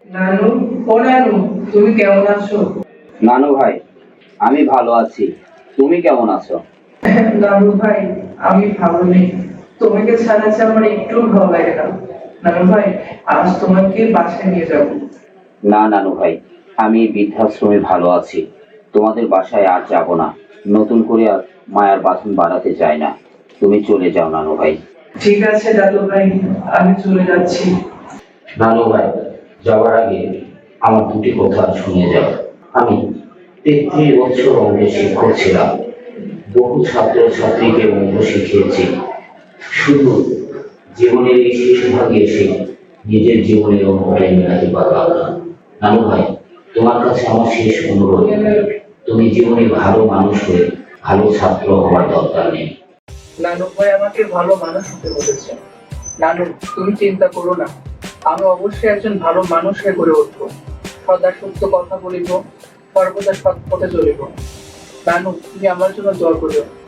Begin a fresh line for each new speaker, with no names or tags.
নানু, ও নানু, তুমি কেমন আছো?
নানু ভাই, আমি ভালো আছি। তুমি কেমন আছো?
নানু ভাই, আমি ভালো নেই। তোমাকে ছাড়া যে আমার একটু ভালো লাগে না। নানু ভাই, আজ তোমাকে বাসায় নিয়ে যাব।
না নানু ভাই, আমি বৃদ্ধাশ্রমে ভালো আছি। তোমাদের বাসায় আর যাব না। নতুন করে আর মায়ার বাঁধন বাড়াতে চাই না। তুমি চলে যাও নানু ভাই।
ঠিক আছে দাদু ভাই, আমি চলে যাচ্ছি।
নানু ভাই, যাওয়ার আগে আমার দুটি কথা শুনে যাও। আমি 33 বছর অঙ্কের শিক্ষক ছিলাম। বহু ছাত্র ছাত্রীকে অঙ্ক শিখিয়েছি। শুধু জীবনের এই শেষ ভাগে এসে নিজের জীবনের অঙ্কটাই মেলাতে পারলাম না। নানু ভাই, তোমার কাছে আমার শেষ অনুরোধ, তুমি জীবনে ভালো মানুষ হয়ে ভালো ছাত্র হওয়ার দরকার নেই।
নানু ভাই আমাকে ভালো মানুষ হতে বলেছে। নানু, তুমি চিন্তা করো না, আমি অবশ্যই একজন ভালো মানুষ হয়ে গড়ে উঠবো। সদা সত্য কথা বলিব, সর্বদা সৎ পথে চলিব। নানু, তুমি আমার জন্য দোয়া করিও।